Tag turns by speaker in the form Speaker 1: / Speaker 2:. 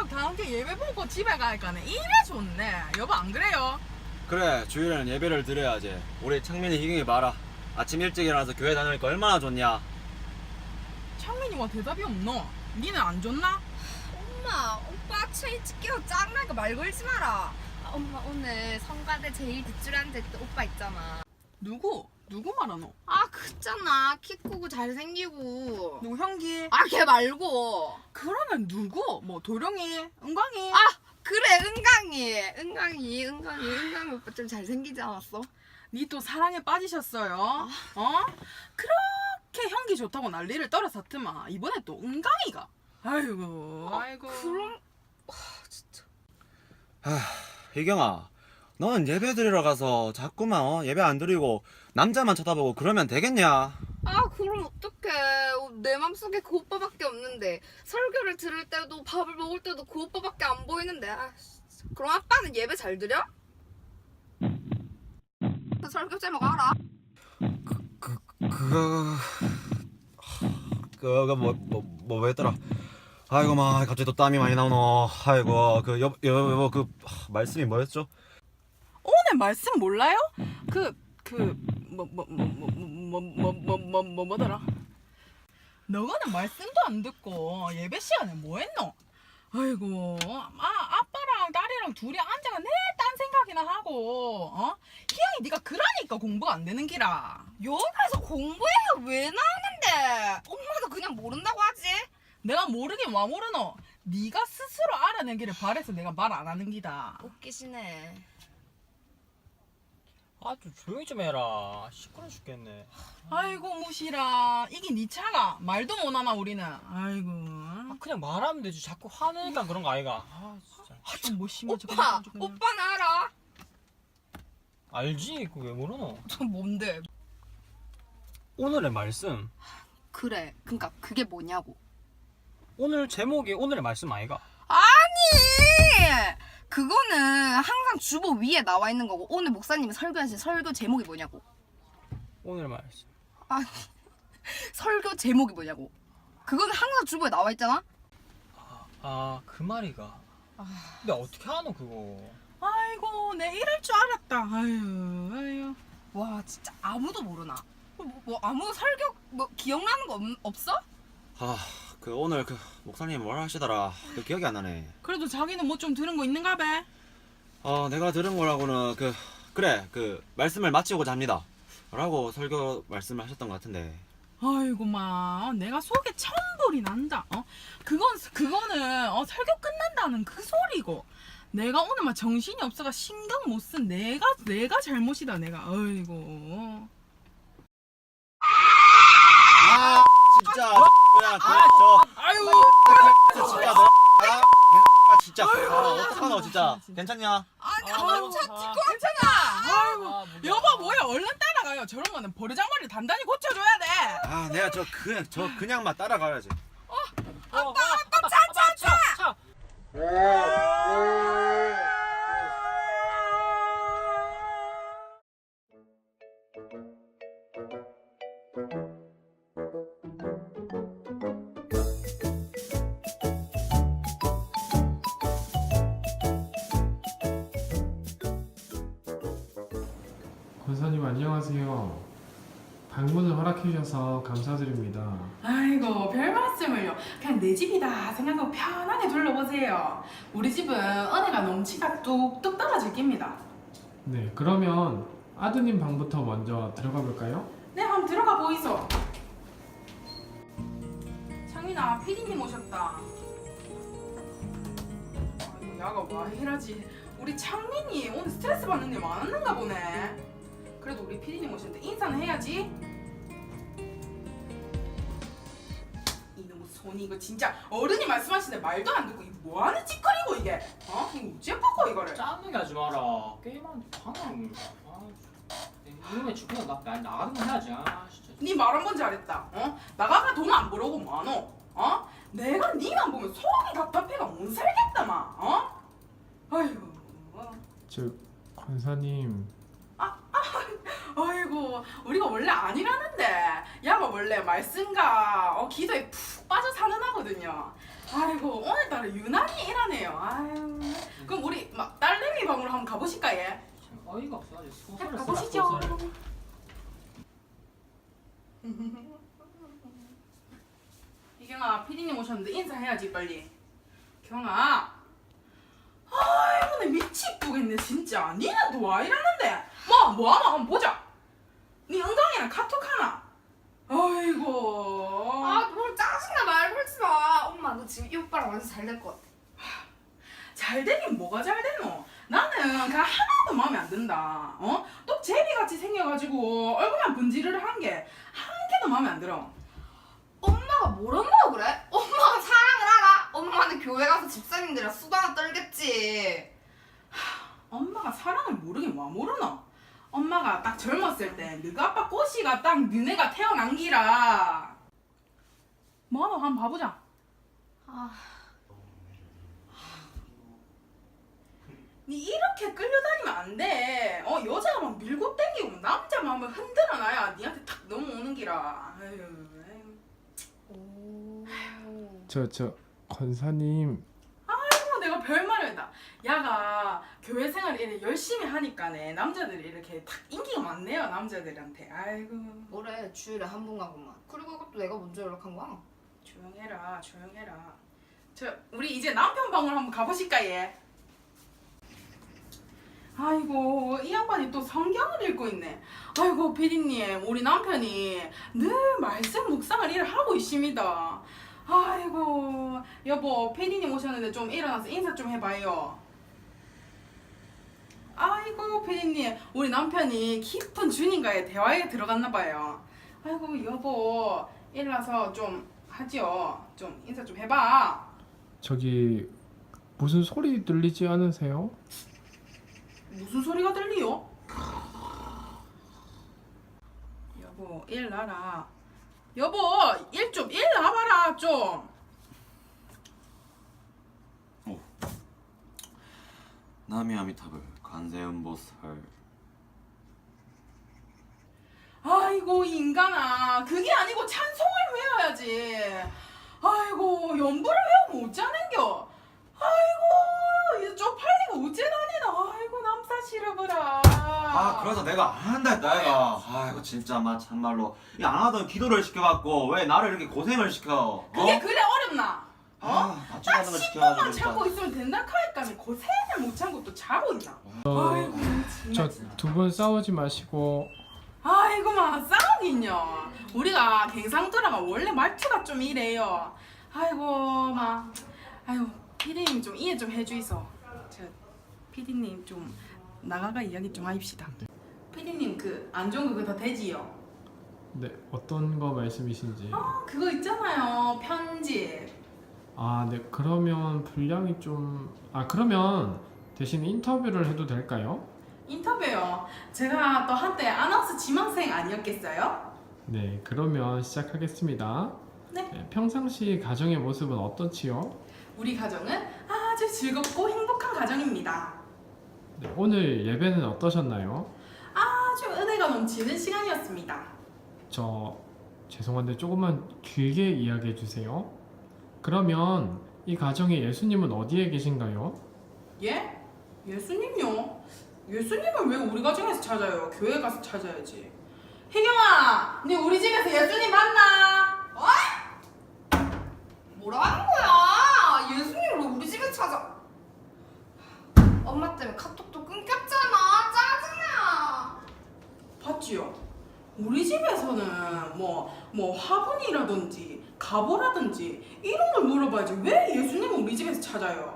Speaker 1: 다음 주 예배 보고 집에 가니까는 이래 좋네. 여보 안 그래요?
Speaker 2: 그래, 주일에는 예배를 드려야지. 우리 창민이 희경이 봐라. 아침 일찍 일어나서 교회 다니니까 얼마나 좋냐.
Speaker 1: 창민이와 대답이 없노? 니는 안 좋나?
Speaker 3: 엄마, 오빠 아침 일찍 깨워 짱나니까 말 걸지 마라. 엄마 오늘 성가대 제일 뒷줄에 앉아있던 오빠 있잖아.
Speaker 1: 누구? 누구 말하노?
Speaker 3: 그잖아. 키 크고 잘생기고.
Speaker 1: 누구 형기?
Speaker 3: 걔 말고.
Speaker 1: 그러면 누구? 뭐 도령이? 은광이?
Speaker 3: 그래, 은강이 오빠 좀 잘생기지 않았어?
Speaker 1: 니 또 사랑에 빠지셨어요? 그렇게 형기 좋다고 난리를 떨어섰더만 이번에 또 은광이가. 아이고.
Speaker 3: 그럼 진짜.
Speaker 2: 희경아, 너는 예배 드리러 가서 자꾸만 예배 안 드리고 남자만 쳐다보고 그러면 되겠냐?
Speaker 3: 그럼 어떡해. 내 맘속에 그 오빠밖에 없는데 설교를 들을 때도 밥을 먹을 때도 그 오빠밖에 안 보이는데. 진짜. 그럼 아빠는 예배 잘 드려? 그 설교 제목 알아?
Speaker 2: 그거 뭐였더라? 아이고 마, 갑자기 또 땀이 많이 나오노. 아이고 여보 그 말씀이 뭐였죠?
Speaker 1: 오늘 말씀 몰라요? 뭐더라? 너가는 말씀도 안 듣고 예배 시간에 뭐 했노? 아이고, 아빠랑 딸이랑 둘이 앉아가 내 딴 생각이나 하고, 희영이 네가 그러니까 공부가 안 되는 기라.
Speaker 3: 여기서 공부해야 왜 나오는데? 엄마도 그냥 모른다고 하지?
Speaker 1: 내가 모르긴 와 모르노? 네가 스스로 알아내기를 바래서 내가 말 안 하는 기다.
Speaker 3: 웃기시네.
Speaker 4: 좀 조용히 좀 해라. 시끄러 죽겠네.
Speaker 1: 아이고 무시라. 이게 네 차가 말도 못 하나 우리는. 아이고.
Speaker 4: 그냥 말하면 되지. 자꾸 화내니까 그런 거 아이가. 진짜.
Speaker 1: 뭐 심하지?
Speaker 3: 오빠는 알아?
Speaker 4: 알지? 그거 왜 모르노?
Speaker 3: 뭔데?
Speaker 4: 오늘의 말씀.
Speaker 3: 그래, 그니까 그게 뭐냐고.
Speaker 4: 오늘 제목이 오늘의 말씀 아이가?
Speaker 3: 아니! 그거는 항상 주보 위에 나와 있는 거고 오늘 목사님이 설교하신 설교 제목이 뭐냐고.
Speaker 4: 오늘의 말씀.
Speaker 3: 설교 제목이 뭐냐고. 그거는 항상 주보에 나와 있잖아?
Speaker 4: 그 말이가. 근데 어떻게 하노 그거?
Speaker 1: 아이고 내 이럴 줄 알았다. 아유.
Speaker 3: 와, 진짜 아무도 모르나? 아무 설교 기억나는 거 없어?
Speaker 2: 그 오늘 그 목사님 뭐라 하시더라. 그 기억이 안 나네.
Speaker 1: 그래도 자기는 뭐 좀 들은 거 있는가 봐.
Speaker 2: 내가 들은 거라고는 그 말씀을 마치고자 합니다 라고 설교 말씀을 하셨던 것 같은데.
Speaker 1: 아이고 마 내가 속에 천불이 난다. 그거는 설교 끝난다는 그 소리고. 내가 오늘 막 정신이 없어가 신경 못 쓴 내가 잘못이다 내가. 아이고.
Speaker 2: 진짜 그냥
Speaker 1: 아이고.
Speaker 2: 진짜 진짜 어떡하노 진짜. 괜찮냐?
Speaker 3: 아니,
Speaker 1: 괜찮아. 아이고.
Speaker 4: 뭐냐.
Speaker 1: 여보 뭐야 얼른 따라가요. 저런 거는 버르장머리 단단히 고쳐줘야 돼.
Speaker 2: 내가 그냥만 따라가야지.
Speaker 4: 차.
Speaker 5: 권사님 안녕하세요. 방문을 허락해 주셔서 감사드립니다.
Speaker 1: 아이고 별 말씀을요. 그냥 내 집이다 생각하고 편하게 둘러보세요. 우리 집은 은혜가 넘치가 뚝뚝 떨어질 깁니다.
Speaker 5: 네, 그러면 아드님 방부터 먼저 들어가 볼까요?
Speaker 1: 네 한번 들어가 보이소. 창민아 피디님 오셨다. 아이고 야가 와 이러지. 우리 창민이 오늘 스트레스 받는 일 많았는가 보네. 그래도 우리 피디님 오셨는데 인사는 해야지. 이놈의 손이 이거 진짜 어른이 말씀하시는데 말도 안 듣고 이거 뭐하는 짓거리고 이게. 이거 어째 바꿔 이거를.
Speaker 4: 짜증나게 하지 마라. 게임하는데 방해하는 거야. 이놈의 죽고 나가는 거 해야지. 진짜.
Speaker 1: 니 말 한 번 잘했다. 나가가 돈 안 벌어고 뭐하노? 내가 니만 보면 속이 답답해가 못 살겠다 마. 아이고.
Speaker 5: 권사님,
Speaker 1: 아이고 우리가 원래 아니라는데 야가 원래 말씀과 기도에 푹 빠져 사는 하거든요. 아이고 오늘따라 유난히 일하네요. 아유. 그럼 우리 막 딸내미 방으로 한번 가보실까 얘?
Speaker 4: 참 어이가 없어. 아주 소설을 써라,
Speaker 1: 가보시죠.
Speaker 4: 소설을.
Speaker 1: 이경아 피디님 오셨는데 인사해야지 빨리. 경아. 아이고 내 미치겠네 진짜. 니네 또 와 이러는데? 뭐하나 한번 보자. 니 은강이랑 카톡 하나? 아이고.
Speaker 3: 뭘 짜증나 말 걸지 마. 엄마 너 지금 이 오빠랑 완전 잘 될 것 같아.
Speaker 1: 잘 되긴 뭐가 잘 되노? 나는 그냥 하나도 마음에 안 든다. 어? 또 제비같이 생겨가지고 얼굴만 분지를 한 게 한 개도 마음에 안 들어.
Speaker 3: 엄마가 뭘 한다고 그래? 엄마가 사랑을 알아? 엄마는 교회 가서 집사님들이랑 수다나 떨겠지.
Speaker 1: 엄마가 사랑을 모르긴 뭐 모르노? 엄마가 딱 젊었을 때 너가 아빠 꼬시가 딱 너네가 태어난 기라. 뭐하노 한번 봐보자. 니 이렇게 끌려다니면 안 돼. 여자가 막 밀고 땡기고 남자 마음을 흔들어놔야 니한테 탁 넘어오는 기라. 아유.
Speaker 5: 저 권사님
Speaker 1: 내가 별말을 했다. 야가 교회 생활을 이렇게 열심히 하니까네 남자들이 이렇게 탁 인기가 많네요 남자들한테. 아이고
Speaker 3: 뭐래 주일에 한 번 가고만. 그리고 이것도 내가 먼저 연락한 거야.
Speaker 1: 조용해라 조용해라. 우리 이제 남편 방으로 한번 가보실까 얘? 아이고 이 양반이 또 성경을 읽고 있네. 아이고 피디님 우리 남편이 늘 말씀 묵상을 일을 하고 있습니다. 아이고 여보 피디님 오셨는데 좀 일어나서 인사 좀 해봐요. 아이고 피디님 우리 남편이 깊은 주님과의 대화에 들어갔나봐요. 아이고 여보 일어나서 좀 하죠. 좀 인사 좀 해봐.
Speaker 5: 저기 무슨 소리 들리지 않으세요?
Speaker 1: 무슨 소리가 들리요? 여보 일나라. 여보 일 나봐라 좀.
Speaker 2: 나미아미타불 관세음보살.
Speaker 1: 아이고 인간아 그게 아니고 찬송을 외워야지. 아이고 연부를 외우면 어쩌는겨. 아이고 이제 쪽팔리고 어째 다니나. 아이고 남사 싫어보라.
Speaker 2: 그래서 내가 안 한다 했다 얘가. 이거 진짜 참말로 이 안 하던 기도를 시켜갖고 왜 나를 이렇게 고생을 시켜?
Speaker 1: 그게 그래 어렵나?
Speaker 2: 같이
Speaker 1: 딱
Speaker 2: 가는 거
Speaker 1: 10분만
Speaker 2: 시켜가지고
Speaker 1: 참고
Speaker 2: 진짜.
Speaker 1: 있으면 된다 카니까 고생을 못 참고 또 자고 있나. 아이고
Speaker 5: 저
Speaker 1: 정말.
Speaker 5: 두 분 싸우지 마시고
Speaker 1: 아이고 마 싸우긴요. 우리가 갱상도라가 원래 말투가 좀 이래요. 아이고 마 아이고 피디님 좀 이해 좀 해주이소. 저 피디님 좀 나가가 이야기 좀 하입시다. 피디님 그 안 좋은 거 그거 다 되지요?
Speaker 5: 네 어떤 거 말씀이신지.
Speaker 1: 그거 있잖아요 편집.
Speaker 5: 네 그러면 분량이 좀 그러면 대신 인터뷰를 해도 될까요?
Speaker 1: 인터뷰요. 제가 또 한때 아나운서 지망생 아니었겠어요?
Speaker 5: 네 그러면 시작하겠습니다.
Speaker 1: 네.
Speaker 5: 평상시 가정의 모습은 어떻지요?
Speaker 1: 우리 가정은 아주 즐겁고 행복한 가정입니다.
Speaker 5: 네, 오늘 예배는 어떠셨나요?
Speaker 1: 아주 은혜가 넘치는 시간이었습니다.
Speaker 5: 저 죄송한데 조금만 길게 이야기해 주세요. 그러면 이 가정의 예수님은 어디에 계신가요?
Speaker 1: 예? 예수님요? 예수님을 왜 우리 가정에서 찾아요? 교회 가서 찾아야지. 혜경아, 네 우리 집에서 예수님 만나?
Speaker 3: 뭐라는 거야? 예수님을 왜 우리 집에 찾아? 엄마 때문에 카톡도 끊겼잖아. 짜증나.
Speaker 1: 봤지요? 우리 집에서는 뭐 화분이라든지 가보라든지 이런 걸 물어봐야지 왜 예수님을 우리 집에서 찾아요?